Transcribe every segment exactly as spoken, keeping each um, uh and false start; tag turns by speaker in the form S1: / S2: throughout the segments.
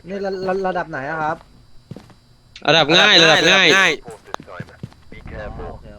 S1: นี่ระระระดับไหนอะครับ
S2: ระดับง่ายระดับง่าย
S1: โอเค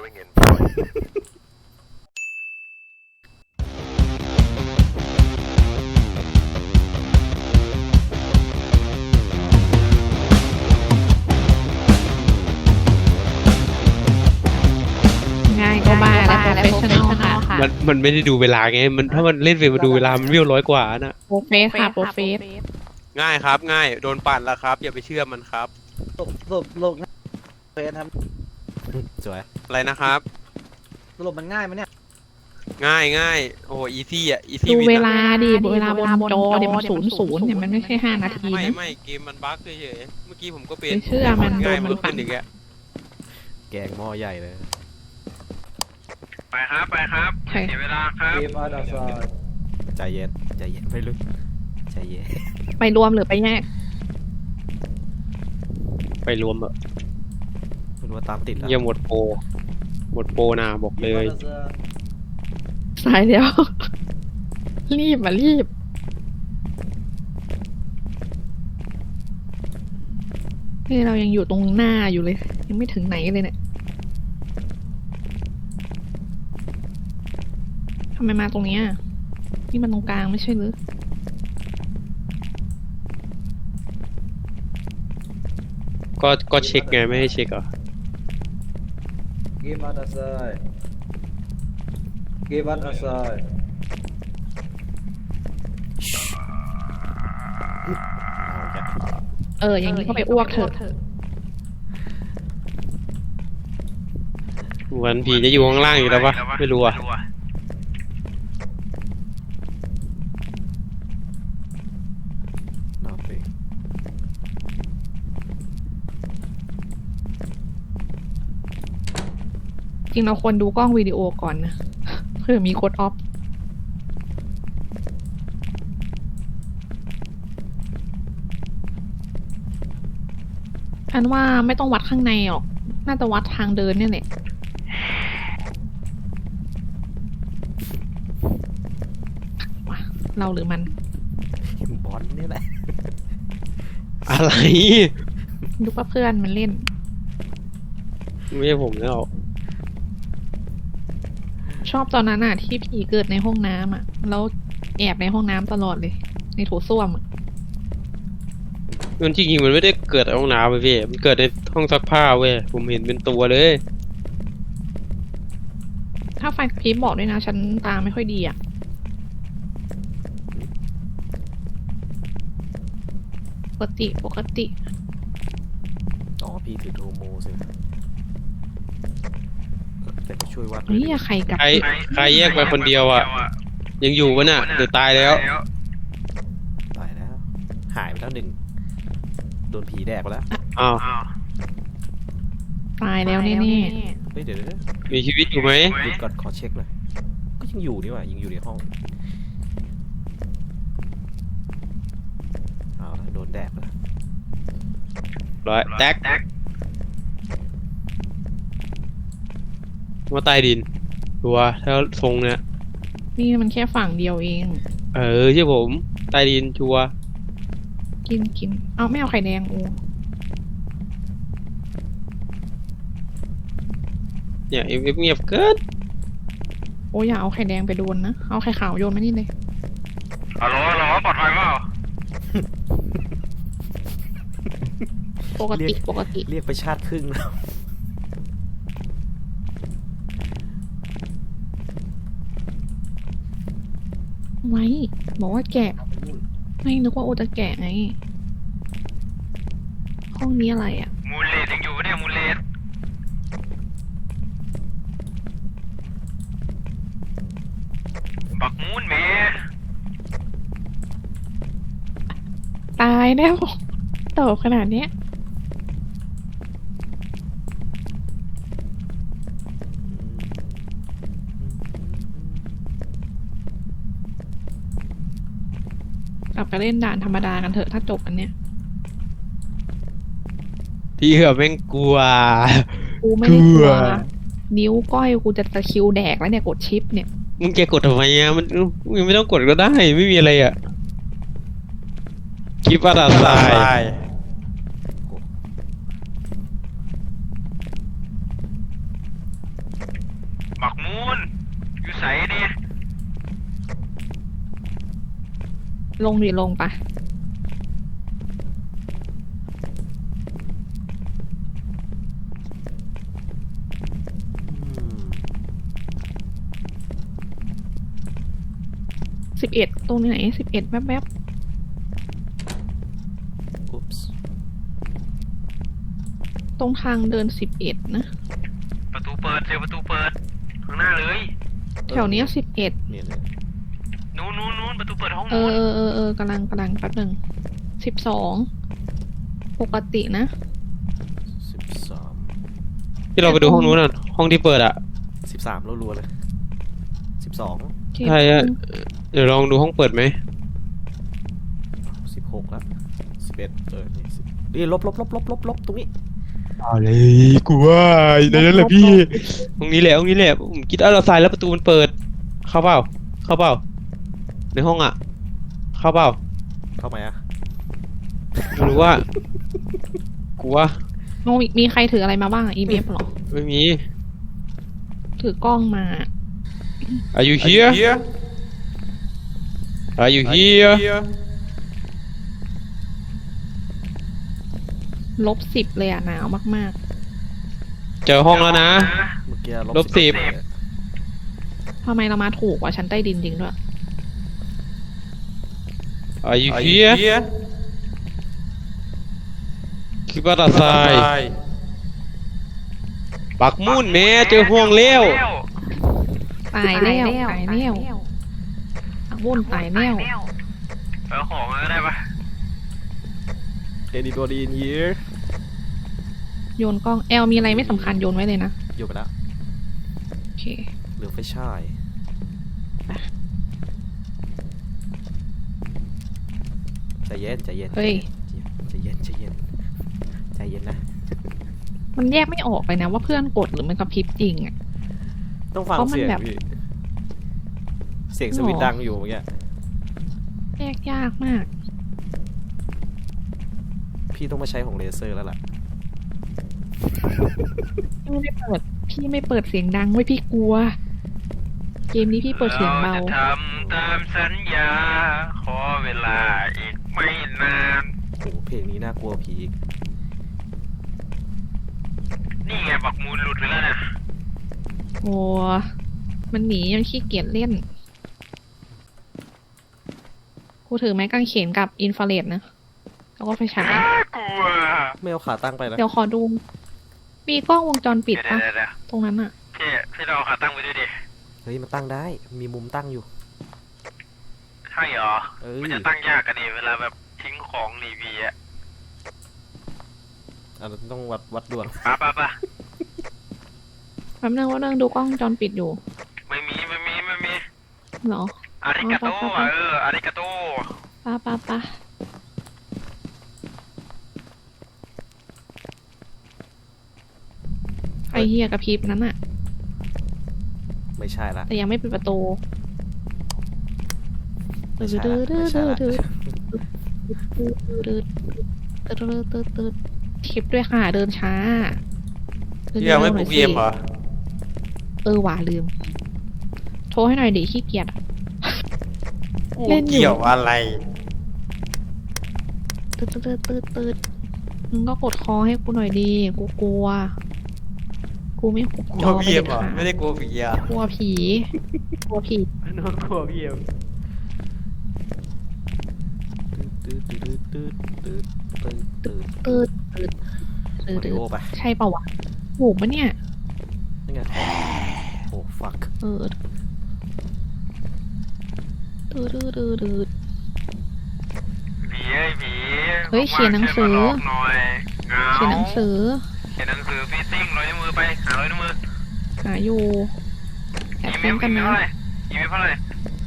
S3: ง่ายก็บ้าแล้วโปรเฟชชั่นอลค่ะ
S2: มันมันไม่ได้ดูเวลาไงมันถ้ามันเล่นเฟรมมาดูเวลามันวิ่งร้อยกว่าน่ะ
S3: โปรเฟสค่ะโปรเฟส
S4: ง่ายครับง่ายโดนปั่นแล้วครับอย่าไปเชื่อมันครับ
S1: สรุปสรุปสรุปเฟสครับ
S5: สวย
S4: อะไรนะครับ
S1: สรุปมันง่ายไหมเนี่ย
S4: ง่ายง่ายโอ้อีซี่อ่ะอีซี่
S3: ดู
S4: วิน
S3: เวลาดิเวลาบนจอเดี๋ยวมันศูนย์ศูนย์เนี่ยมันไม่ใช่ห้านาที
S4: ไม่
S3: นะ
S4: ไม่เกมมันบั๊กเฉยๆเมื่อกี้ผมก็เป็น
S3: ไม่เชื่อมัน
S4: ง่าย
S3: โดนมัน
S4: มันลุก
S3: ปั่
S4: ขึ้
S3: น
S4: นอีกแล้ว
S5: แกงหม้อใหญ่เลย
S4: ไปครับไปครับเสียเวลาครับ
S1: เกมอาร์ดาซาย
S5: ใจเย็นใจเย็นไม่ลึกใจเย็น
S3: ไปรวมหรือไปแยก
S2: ไปรวมอะ
S5: คุณว่าตามติดแล้ว
S2: เยี่ยมหมดโปรหมดโปรนะบอกเลย
S3: สายแล้ว รีบมารีบนี่เรายังอยู่ตรงหน้าอยู่เลย ยังไม่ถึงไหนเลยเนี่ยทำไมมาตรงเนี้ยนี่มันตรงกลางไม่ใช่หรือ
S2: ก็ก็เช็คไงไม่ให้เช็คเหรอ
S1: เกมอาร์ดาซายเกมอาร์ดาซาย
S5: เอาแก
S3: เอออย่างนี้ก็ไปอ้วกเถอะ
S2: วันผีจะอยู่ข้างล่างอยู่แล้วปะไม่รู้อะ
S5: นอกไป
S3: จริงเราควรดูกล้องวิดีโอก่อนนะ เพื่อมีโค้ดออฟอันว่าไม่ต้องวัดข้างในหรอก น่าจะวัดทางเดินเนี่ยแหละว่ะเราหรือมัน
S5: บอลนี่แหละ
S2: อะไร
S3: ดูว่าเพื่อนมันเล่น
S2: ไม่ใช่ผมแล้ว
S3: ชอบตอนนั้นอ่ะ ที่ผีเกิดในห้องน้ำอ่ะ แล้วแอบในห้องน้ำตลอดเลย ในโถส้วมอ่ะ
S2: มันจริงๆมันไม่ได้เกิดในห้องน้ำเว้ยพี่มันเกิดในห้องซักผ้าเว้ยผมเห็นเป็นตัวเลย
S3: ถ้าไฟกระพริบบอกด้วยนะ ฉันตาไม่ค่อยดีอ่ะ ปกติปกติ
S5: อ๋อพี่ถือโทโมสิแต่ไปช่วยวัด
S3: เฮ้ยใครกับ
S2: ใครใครแยกไปคนเดียวอะยังอยู่วะน่ะหรือตายแล้ว
S5: ตายแล้ว หายไปแล้วหนึ่งโดนผีแดกไปแล้ว
S2: อ้าว
S3: ตายแล้วแน่
S5: เฮ้ยเดี๋ยวเดี๋ยว
S2: มีชีวิตอยู่ไหม
S5: หยุดก่อนขอเช็คเลยก็ยังอยู่นี่หว่ายังอยู่ในห้องเอาละโดนแดกแล้ว
S2: ร้อยแท็กว่าใต้ดินตัวถ้าทรงเนี่ย
S3: ๆนี่มันแค่ฝั่งเดียวเอง
S2: เออใช่ผมใต้ดินชัวร์
S3: กินกิน เอาไม่เอาไข่แดงโอ้
S2: เนี่ยเอฟเอฟเงียบเกิน
S3: โอ้อย่าเอาไข่แดงไปโดนนะ เอาไข่ขาวโยนมานี่เลย
S4: ฮัลโหลฮัลโหลปลอดภัยเปล่า
S3: ปกติปกติ
S5: เรียกไปชาติครึ่งแล้ว
S3: ไว้ บอกว่าแกะ ไม่นึกว่าโอจะแกะไง ห้องนี้อะไรอ่ะ
S4: มูลเลดยังอยู่เนี่ยมูลเลดบักมูนเม
S3: ตายแล้วโตขนาดเนี้ย กลับไปเล่นด่านธรรมดากันเถอะถ้าจบอันเนี้ย
S2: พี่เหอะแม่งกลัว
S3: กูไม่ได้กลัว
S2: กลัว
S3: นิ้วก้อยกูจะตะคริวแดกแล้วเนี่ยกดชิปเนี่ย
S2: มึงจะกดทำไมอ่ะมันมึงไม่ต้องกดก็ได้ไม่มีอะไรอ่ะ Give us a sign
S4: บักมูนอยู่ใสดิ
S3: ลงดิลงปะ
S5: อืม
S3: สิบเอ็ดตรงไหนสิบเอ็ดแป๊บแป๊บ
S5: อุ๊ปส์
S3: ตรงทางเดินสิบเอ็ดนะ
S4: ประตูเปิดเจอประตูเปิดข้างหน้าเลย
S3: แถวเนี้ยสิบเอ็ด
S5: เนี่ยเลย
S4: นู้นนู้นนู้นประตูเปิดห้อง
S3: เอ
S4: นู้
S3: อน เออเออเออกำลังกำลังแป๊บหนึ่งสิบสองปกตินะ
S5: สิบสาม
S2: ที่เราไปดูห้องนู้นน่ะห้องที่เปิดอ่ะ
S5: สิบสามรัวๆเลยสิบสอง
S3: โอเค
S2: ใช่อะเดี๋ยวลองดูห้องเปิดไหม
S5: สิบหกแล้วสิบเอ็ดเออนี่สิบนี่ลบลบลบลบลบลบตรงนี้
S2: อะไรกูว่าในนั้นแหละพี่ตรงนี้แหละตรงนี้แหละผมคิดเอาเราใส่แล้วประตูมันเปิด เข้าเปล่าเข้าเปล่าในห้องอ่ะ เข้าเปล่า
S5: เข้ามาอ่ะ
S2: ไม่รู้ว่ากูว่า
S3: โนมีมีใครถืออะไรมาบ้างอะ อี บี เอฟ หรอ
S2: ไม่มี
S3: ถือกล้องมา
S2: Are you here Are you here
S3: ลบสิบเลยอะหนาวมาก
S2: เจอห้องแล้วนะ
S5: เมื่อกี้
S2: ลบสิบ
S5: เลย
S3: ๆทำไมเรามาถูกกว่าชั้นใต้ดินจริงด้วย
S2: Are you here คิดว่าตาทรายปักมุ่นแม่เจอห้องเลี้ยว
S3: ตายแล้วตายแล้วอักวุ่นตายแล้ว
S4: เออของก็ได้ปะ
S5: Anybody in here
S3: โยนกล้องแอลมีอะไรไม่สำคัญโยนไว้เลยนะ
S5: อยู่ไปแล้ว
S3: โอเค
S5: เหลือไฟฉายใจเย็นใจเย็น
S3: เฮ้ย
S5: ใจเย็นใจเย็นใจเย็นนะ
S3: มันแยกไม่ออกเลยนะว่าเพื่อนกดหรือมันกระพริบจริงอะ
S5: ต้องฟัง
S3: เพราะมัน
S5: เสียง
S3: แบบ
S5: พี่เสียงสวิตช์ดังอยู่เมื่อกี้
S3: แยกยากมาก
S5: พี่ต้องมาใช้ของเลเซอร์แล้วล่ะ
S3: พี่ไม่เปิด พี่ไม่เปิดเสียงดังไว้ยพี่กลัว เกมนี้พี่เปิดเสียงเบา
S4: จะทำตามสัญญา ขอเวลาอีกไม่นาน
S5: โอ้โหเพลงนี้น่ากลัวผีอีก
S4: นี่ไงบักมูลหลุดไปแล้วนะ
S3: โอ้มันหนียังขี้เกียจเล่น กูถือไม้กางเขนกับอินฟราเรดนะ แล้วก็ไฟฉาย
S4: น่ากลัว
S5: ไม่เอาขาตั้งไปนะ
S3: เดี๋ยวขอดู มีกล้องวงจรปิด
S4: เดี๋ยว
S3: ปะ
S4: เดี๋ยวเดี๋ยว
S3: ตรงนั้นอะ
S4: พี่พี่เราเอาขาตั้งไปด้วยดิ
S5: เฮ้ยมันตั้งได้ มีมุมตั้งอยู่
S4: ใช่เหรอ
S5: เออ
S4: มันจะตั้งยากกันดิเวลาแบบทิ้งของหนีพีอะ
S5: อันนั้นต้องวัดวัดดวง
S4: ปะปะปะ
S3: แป๊บนึงว่านึงดูกล้องวงจรปิดอยู่
S4: ไม่มีไม่มีไม่มี
S3: เหรอ
S4: อาริกาโต
S3: อ๋อปะปะปะ
S4: เอออาริกาโต
S3: ป้าป้าป้าไอเฮียกับพริบนั้นอะ
S5: ไม่ใช่ละ
S3: แต่ยังไม่ปิดประตู
S5: ไม่ใช่ละไม่ใช่ละ
S3: ทิปด้วยค่ะเดินช้าดิน
S2: ที่ยังไม่
S3: ร็ว
S2: ปลุก
S3: หน่
S2: เยี่ยมเหรอ
S3: เออหว่าลืม โทรให้หน่อยดิขี้เกียจอะเล่นอยู่
S2: เกี่ยวอะไร
S3: ตืดตืดตืดตืดมึงก็กดคอให้กูหน่อยดีกูกลัว กูไม่หุบ
S2: กลั
S3: จ
S2: ว
S3: อไป
S2: พี่เอ็
S3: เด็
S2: ม
S3: ด
S2: เหรอ
S3: ขาด
S2: ไม่ได้กลัวผีอ่ะ
S3: กลัวผี กลัวผี
S2: น้องกลัวพี่เอ็ม
S5: ตืดตืดตืดตืดตืดตืด
S3: ตืดตืดตืด
S5: มา
S3: ตื
S5: ริ
S3: ด
S5: โอไป
S3: ใช่เปล่าวะถูกปะเนี่ย
S5: นี่ไงโอ้ฟัก
S3: เออตืดตืดตืดตืด
S4: ผีไอ้ผี
S3: เฮ้ยเขียนหนังสือ
S4: ช่วยมาลอกหน่อยเหงา
S3: เขียนหนังสือ
S4: เขียนหนังสือฟีซิ่งร้อยนิ้วมือไปหาร้อยนิ้วมือ
S3: หาอยู่แอบ
S4: อีเม
S3: เต้
S4: ล
S3: นกัน
S4: อีเมล
S3: นะ
S4: เท่าไหร่อีเมลเท่าไหร่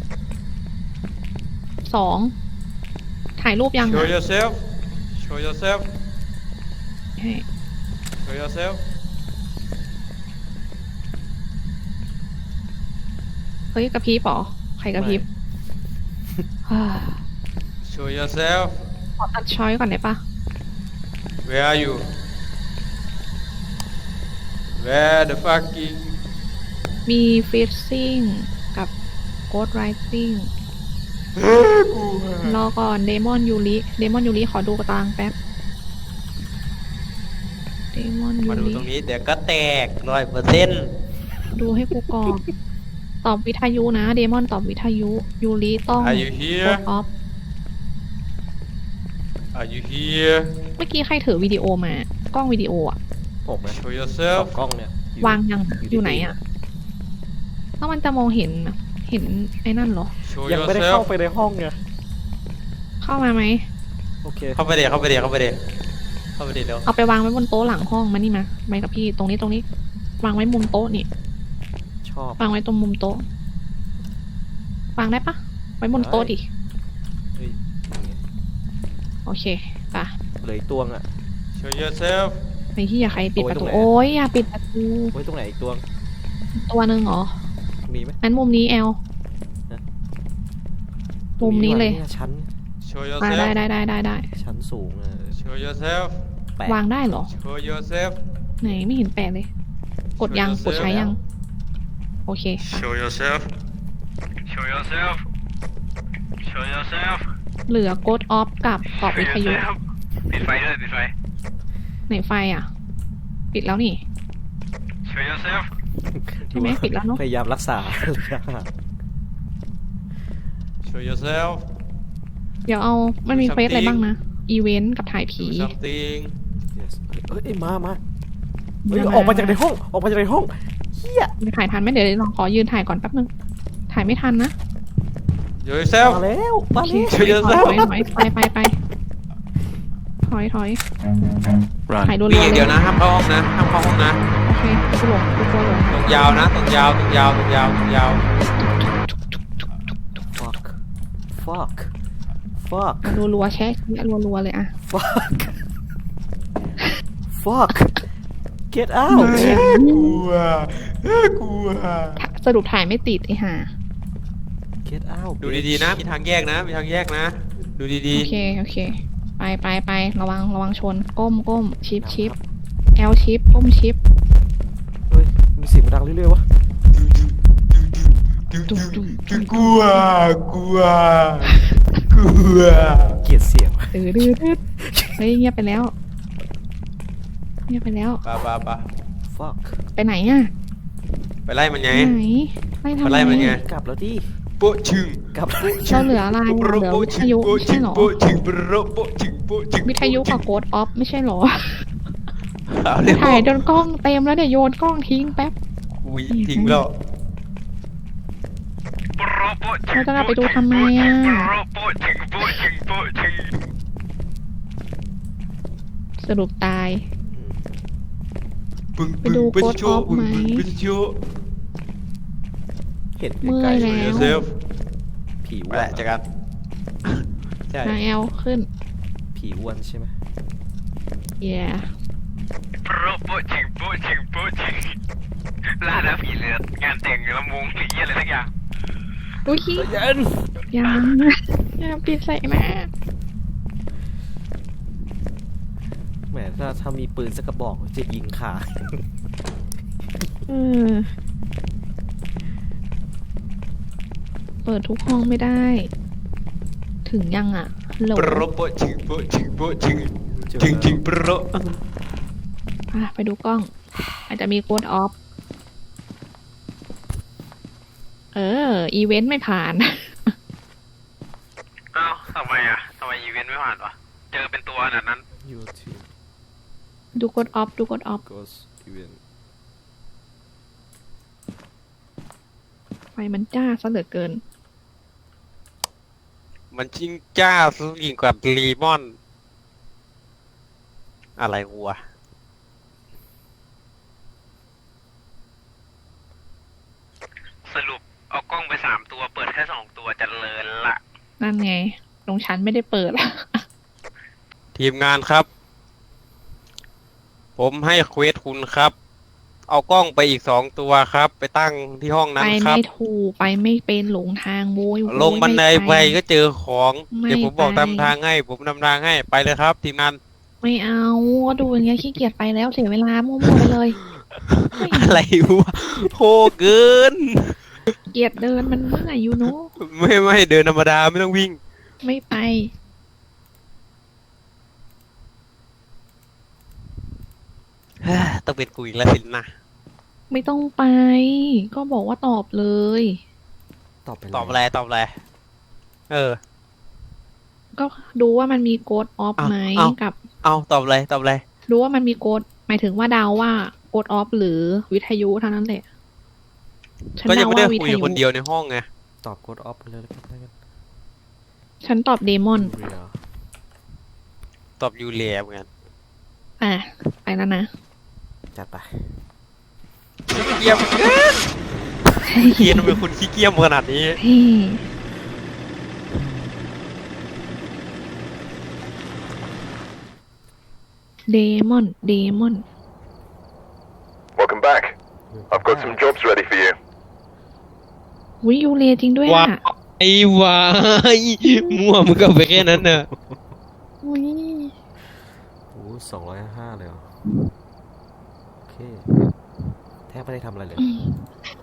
S3: สองถ่ายรูปยัง
S2: Show
S3: อะ
S2: yourself Show yourself
S3: ให้
S2: Show yourself
S3: เฮ้ยกระพริบเหรอใครกระพริบ
S2: Show yourself
S3: ขอตัดช้อยก่อนได้ปะ
S2: Where are you Where the fucking
S3: มีฟิชซิ่งกับโกดไรซิ่งรอก่อนเดมอนยูริเดมอนยูริขอดูกระตางแป๊บเดมอนยู
S2: มาดู
S3: ริ
S2: ตรงนี้เดี๋ยวก็แตกร้อยเปอร์เซ็นต์
S3: ดูให้กูก่อนตอบวิทยุนะเดมอนตอบวิทยุยูริต้อง
S2: Are you
S3: โก
S2: here
S3: ดออฟ
S2: Are you here
S3: เมื่อกี้ใครถือวิดีโอมากล้องวิดีโออะ
S5: ผมนะ
S2: Show
S5: ส
S2: yourself
S5: องกล้องเนี่ยอยู่
S3: วางยัง
S5: อยู่ที่
S3: อยู่ไหนอะถ้ามันจะมองเห็นอะเห็นไอ้นั่นเหรอ
S2: Show
S5: ยังไม่ได้
S2: yourself
S5: เข้าไปในห้องไง
S3: เข้ามาไหม
S5: โอเค
S2: เข้าไปเดี๋ยวเข้าไปเดี๋ยวเข้าไปเดี๋ยวเข้าไปเดี๋ยวเร็ว
S3: เอาไปวางไว้บนโต๊ะหลังห้องมานี่มาไปกับพี่ตรงนี้ตรงนี้ วางไว้มุมโต๊ะนี่
S5: ชอบ
S3: วางไว้ตรงมุมโต๊ะวางได้ปะไว้บนโต๊ะดิ
S5: เฮ้ย
S3: โอเคป่ะ
S5: เหลยตัวงอ่ะ
S2: Show yourself
S3: ไอ้ที่อย่าใครปิดประตู
S5: เอาไว้ตรงไหน
S3: โอ้ยอย่าปิดประตู
S5: ไว้ตรงไหนอีกตัวง
S3: ตัวหนึ่งเหรอ
S5: มีไหม
S3: นั้นมุมนี้แอล มุมนี้เลย
S5: ตรงชั้น
S2: Show
S3: มาได้
S2: yourself
S3: ได้ได้ได้ได้
S5: ชั้นสูงอ่ะ
S2: Show yourself
S5: แปะ
S3: วางได้เหรอ
S2: Show yourself
S3: ไหนไม่เห็นแปะเลย กดยังกดใช้ยัง โอเคค่ะ
S2: Show yourself
S4: Show yourself Show yourself
S3: เหลือโกดออฟกับตอบ
S4: Show
S3: วิทยุ
S4: yourself ปิดไฟด้วยปิดไฟ
S3: ไหนไฟอ่ะ ปิดแล้วนี่
S4: Show yourself
S3: ใช่ไหมปิดแล้วเนอะ
S5: พยายามรักษา
S2: Show yourself
S3: เดี๋ยวเอามันมีเควสอะไรบ้างนะ อีเวนต์กับถ่ายผี
S2: Do something
S5: Yes เอ้ยมามาเฮ้ยออกมาจากในห้องออกมาจากในห้องเฮีย
S3: ไม่ถ่ายทันไหมเดี๋ยวลองขอยืนถ่ายก่อนแป๊บนึง ถ่ายไม่ทันนะ
S2: Show yourself
S5: มาแล้วมา
S3: โอเค
S5: แล้ว
S2: Show
S3: ถอย
S2: yourself
S3: ถอยถอยไปไปไปถอยถอย
S6: Run.
S3: ถ่ายรัวๆ
S2: มีอย่าง
S3: เล
S2: เดีย
S3: ยว
S2: นะห้ามเข้าห้องนะห้ามเข้าห้องนะ
S3: โอเคกูหลงกูกลัวหลง
S2: ตรงยาวนะตรงยาวตรงยาวตรงยาวตรงยาว
S5: fuck fuck fuck
S3: อ่ะรัวๆแชะรัวๆเลยอ่ะ
S5: fuck fuck get out
S2: กลัวกลัว
S3: สรุปถ่ายไม่ติดไอ้ห่า
S5: get out
S2: ดูดีๆนะมีทางแยกนะมีทางแยกนะ ดูดี
S3: โอเคโอเค ไปไปไประวังระวังชน ก้มก้มชิปชิปแอลชิปก้มชิป
S5: เฮ้ยมีเสียงมันดังเรื่อยๆวะ
S2: ๆกลัวกลัวกลัว
S5: เกลียดเสียงวะ
S3: ดื้อดื้อดื้อเฮ้ยเงียบไปแล้ว เงียบไปแล้ว
S2: ปะปะปะ
S5: fuck
S3: ไปไหนอ่ะ
S2: ไปไล่มันไง
S3: ไหนไล่ทำ
S2: ไป
S3: ไม
S2: ไล่มันไง
S5: กลับแล้วดิ
S2: โปะชึง
S5: กลับ
S3: เราเหลืออะไรอะเหลือวิทยุไม่ใช่เหรอ
S2: โปะชึงโปะโปะชึงโปะชึง
S3: วิทยุกับโกดออฟไม่ใช่เหรอ
S2: เอาเร็ว
S3: ถ่ายจนกล้องเต็มแล้วเดี๋ยวโยนกล้องทิ้งแป๊บ
S2: อุ้ยทิ้งแล้ว
S3: เราจะกลับไปดูทำไมอ่ะ
S4: โป๊ะจึงโป๊ะจึงโป๊ะจึง
S3: สรุปตาย
S2: ปึ้ง
S3: ไป
S2: ปึ้ง
S3: ดู
S2: ปึ้ง
S3: Code
S2: โช
S3: Off
S2: ปึ้ง
S3: ไหม
S2: ปึ้งโช
S5: เห็น
S3: เมื่
S5: ไกล
S3: อย
S5: ๆ
S3: แล้ว
S2: เซฟ
S5: ผี
S2: ไป
S5: อ้ว
S2: แห
S5: น
S2: ละเจอกันใช่
S3: มาแอลขึ้น
S5: ผีอ้วนใช่ไหม
S3: yeah
S4: โป๊ะจึงโป๊ะจึงโป๊ะจึงล่าแล้วผีเลือดงานแต่งลำวงหรืออะไรสักอย่าง
S3: อุ้ย
S5: เย็น
S3: ยังยังปิดใส่แม่
S5: แหมถ้าถ้ามีปืนสักกระบอกจะยิงขา
S3: เออเปิดทุกห้องไม่ได้ ถึงยังอ่ะฮัลโหล
S2: โปรโปะชึงโปะชึงโปะชึง
S5: เจอ
S2: ชึงชึง
S5: แล้ว
S2: โปร
S3: อ่ะไปดูกล้อง อาจจะมีโกดออฟ เออ อีเวนต์ไม่ผ่าน
S4: เอ้าทำไมอ่ะทำไมอีเวนต์ไม่ผ่านวะเจอเป็นตัวขนาดนั้น
S5: YouTube
S3: ดูโกดออฟ ดูโกดออฟ
S5: goes event
S3: ไฟมันจ้าซะเหลือเกิน
S2: มันชิงจ้าสุดยิ่งกว่าลีมอน อะไรวัว
S4: สรุปเอากล้องไปสามตัวเปิดแค่สองตัวจะเลินละ
S3: นั่นไงตรงชั้นไม่ได้เปิด
S2: ทีมงานครับ ผมให้เควสคุณครับเอากล้องไปอีกสองตัวครับ ไปตั้งที่ห้องนั้น
S3: ไป
S2: ครั
S3: ไม่
S2: บ
S3: ถูกไปไม่เป็นหลงทางโวยโวย
S2: ลงบันได
S3: ม่
S2: ไปก็เจอของ
S3: ไม่
S2: เดี๋ยวผมบอก
S3: ไป
S2: นำทางให้ ผมนำทางให้ไปเลยครับทีมงาน
S3: ไม่เอาก็ดูอย่างเงี้ยขี้เกียจไปแล้วเสียเวลามั่วๆไปเลย
S2: อะไรวะโหเกิน
S3: เกียจเดินมันเมื่อยอยู่เนอะ
S2: ไม่ไม่เดินธรรมดาไม่ต้องวิ่ง
S3: ไม่ไป
S2: ต้องเป็นกูอีกแล้วสินะ
S3: ไม่ต้องไป ก็บอกว่าตอบเลย
S5: ตอบไปเลย
S2: ตอบอะไรตอบอะไรเออ
S3: ก็ดูว่ามันมีโกดออฟ
S2: อ้าว
S3: ไหม
S2: อ้าว
S3: กับ
S2: เอาตอบอะไรตอบอะไร
S3: ดูว่ามันมีโกดหมายถึงว่าเดาว่าโกดออฟหรือวิทยุเท่านั้นแหละฉัน
S2: ก็ยัง
S3: เดา
S2: ไม่ได้
S3: ว่าวิ
S2: คุ
S3: ท
S2: ย
S3: ยุ
S2: คนเดียวในห้องไง
S5: ตอบกดออฟไปเลยแล้วกันแล้วกัน
S3: ฉันตอบเดมอน
S5: เรีย
S2: ตอบยูเลียเหมือนกัน
S3: อ่ะไปแล้วนะ
S5: จัดไป
S2: เกียมเกินเกียนทำไมคุณขี้เกียมขนาดนี้
S3: เฮ้เดมอน เดมอน
S6: Welcome back. I've got some jobs ready for you.
S3: วิยูเรจริงด้วย
S2: ว้า
S3: อ่ะ
S2: ไอ้วายมั่วมึงก็ไปแค่นั้นเนอะ
S3: อุ้ย
S5: โอ้สองร้อยห้าเลยเหรอ โอเค แทบไม่ได้ทำอะไรเลย
S3: อืม